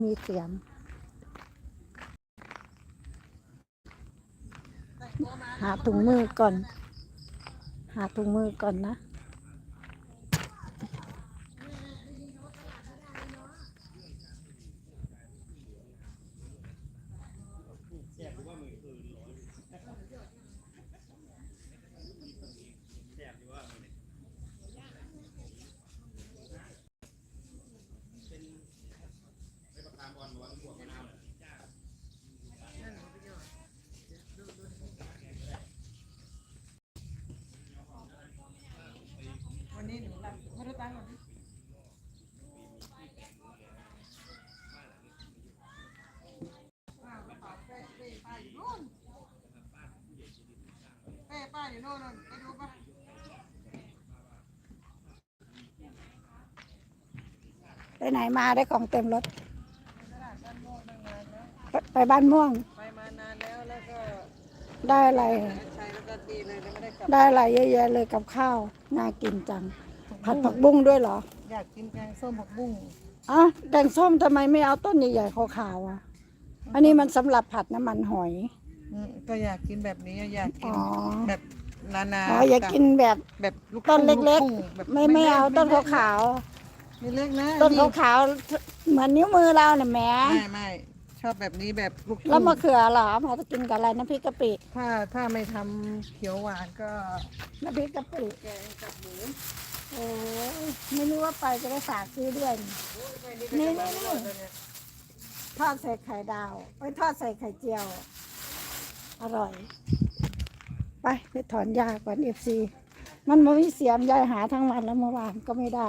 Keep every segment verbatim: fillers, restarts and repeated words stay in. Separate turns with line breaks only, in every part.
มีเสียมหาถุงมือก่อน หาถุงมือก่อนนะ
วันนี้หนูรับไม่ได้ตั้งหรอกป้ากระเป๋าเป้เป้ป้าอยู่นู่นเป้ป้าอยู่นู่นไปดูป่ะ
ไปไหนมาได้ของเต็มรถ
ตลาดบ้านม่วงตั้งนานแล้ว
ไปไปบ้านม่วง
ไปมานานแล้วแล้วก็
ได้อะไร
ใช้แล้วก็ดีเลยแล้วไม่ได้กลับ
ได้อะไรเยอะแยะเลยกับข้าวน่ากินจัง ผัดผักบุ้งด้วยเหรอ
อยากกินแกงส้มผักบุ้ง
อ่ะแกงส้มทำไมไม่เอาต้นใหญ่ๆขาวๆอ่ะ อันนี้มันสำหรับผัดน้ำมันหอย
อืมก็อยากกินแบบนี้อยากกิน
อ๋อ
แบบนาๆ
อ๋ออยากกินแบบ
แบบลูก
ต้นเล็ก
ทุ่งแบบ
ๆ ไม่ไม่เอาต้นขาว
ไม่เล็กนะ
ๆต้นขาวๆเหมือนนิ้วมือเราเนี่ยแหม
ไม่ไม่ชอบแบบนี้แบบลูกทุ่ง
แล้วมะเขือเหรอมาจะกินกับอะไรน้ำพริกกะปิ
ถ้าถ้าไม่ทำเขียวหวานก็
น้ำพริกกะปิ
แกงกับหมู
โอ้ยไม่รู้ว่าไปจะได้ฝากซื้อด้วยนี่นี่นี่ทอดใส่ไข่ดาวไปทอดใส่ไข่เจียว อร่อย ไปไปถอนหญ้าก่อนเอฟซีมันไม่มีเสียมยายหาทั้งวันแล้วเมื่อวานก็ไม่ได้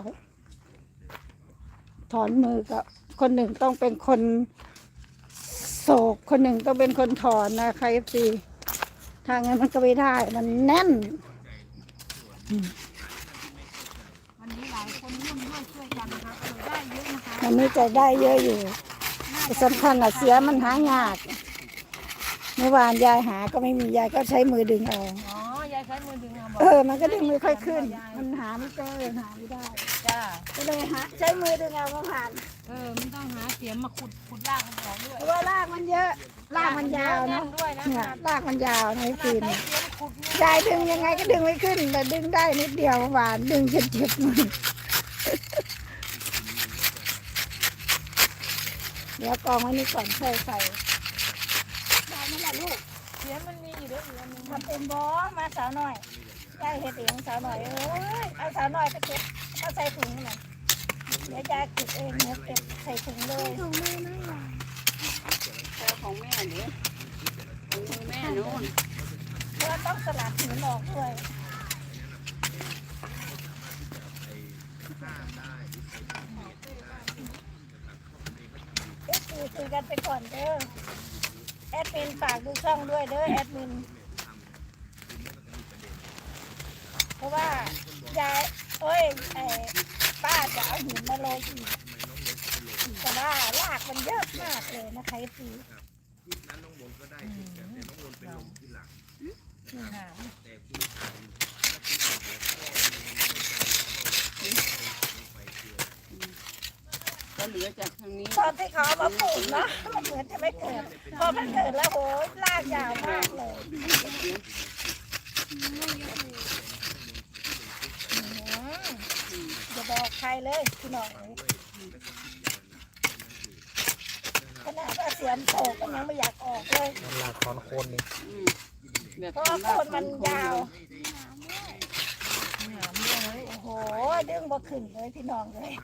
ถอนมือก็คนหนึ่งต้องเป็นคนโศกคนหนึ่งต้องเป็นคนถอนนะคะเอฟซีทางนั้นมันก็ไม่ได้มันแน่นอืม
วันนี้หลายคนร่วมด้วยช่วยกันนะคะก็เลยได้เยอะนะคะ
มันนี้จะได้เยอะอยู่แต่สำคัญอะเสียมันหายากเมื่อวานยายหาก็ไม่มียายก็ใช้มือดึงเอา
อ๋อยายใช้มือดึงเอาบอ
เอก อ มันก็ดึงไม่ค่อยขึ้น มันหาไม่เจอหาไม่ได้
จ้า
ก็เลยหาใช้มือดึงเอาเมื่อวาน
เออมันต้องหาเสียมมาขุดขุดรากมันออกด้วย
เพราะว่ารากมันเยอะรากมันยาวเนาะ
ด้วยนะ
เนี่ยรากมันยาวนะพี่
ใช้
นี่
เสียมขุดเนี่ย
ยายดึงยังไงก็ดึงไม่ขึ้นแต่ดึงได้นิดเดียวเมื่อวานดึงจนเจ็บมือเดี๋ยวกองไว้นี่ก่อนใส่ใส่ได้ไหมล่ะลูก
เสียมมันมีอยู่ด้วยอีกอันหนึง
ทำเป็นบอมาสาวหน่อยยายเห็ดเองสาวหน่อยเอ้ยเอาสาวหน่อยไปเก็บเอาใส่ถุงหน่อยเดี๋ยวยายเก็บเองเนี่ยเก็บใส่ถุงเลยถุงมือไม่หรอ
ของแม่เนี่ยของมือแม่โน่น
เพราะต้องสลัดหินออกด้วยเอ๊ะคุยคุยกันไปก่อนเด้อแอดมินฝากดูช่องด้วยเด้อแอดมินเพราะว่ายายเอ้ยไอ้ป้าจะเอาหินมาโรยอีกแต่ว่ารากมันเยอะมากเลยนะคะพี่
ก็เหลือจากทางนี้
ตอนที่เขาเอามาปลูกเนาะมันเหมือนจะไม่เกิดพอมันเกิดแล้วโหรากยาวมากเลยอย่าบอกใครเลยพี่น้องขนาดว่าเสียมโตก็ยังไม่อยากออกเลย
ลากคอนโคนนี่
แบบ
เพราะว่าโคนมันยาว
หนามด้วย
โอ้โหดึงบ่ขึ้นเลยพี่น้องเลย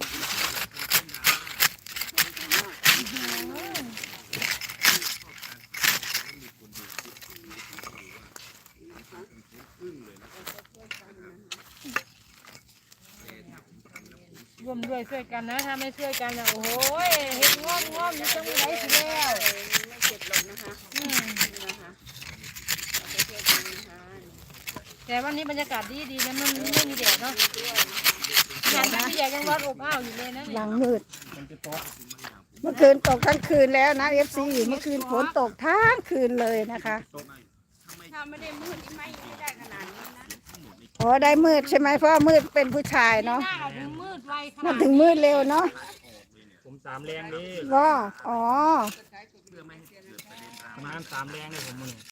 ร่วมด้วยช่วยกันนะถ้าไม่ช่วยกันนะโอ้โหเห็ดงอมงอมอยู่ตรงไหนสิแล้ว
ไม่เจ็บหรอกนะคะ
อืม
นะคะเราไปเที่ยวกันนะคะ
แต่วันนี้บรรยากาศดีดีนะมันไม่มีแดดเนาะอย่างที่พี่ใหญ่ยังร้อนอบอ้าวอยู่เลยนะ
ห
เนี่ย
ลังมืดเมื่อคืนตกทั้งคืนแล้วนะเอฟซีเมื่อคืนฝนตกทั้งคืนเลยนะคะ
ถ้าไม่ได้มืดนี่ไม่ไม่ได้ขนาดนี้นะ
โอ้ได้มืดใช่ไหมเพราะว่ามืดเป็นผู้ชายเนาะ
หน้าถึงมืดไวข
มั
นาด
นถึงมืดเร็วเนาะ
ผมผมสามแรงดิ
ว่าอ๋อ
ประมาณสามแรงเลยผมมือ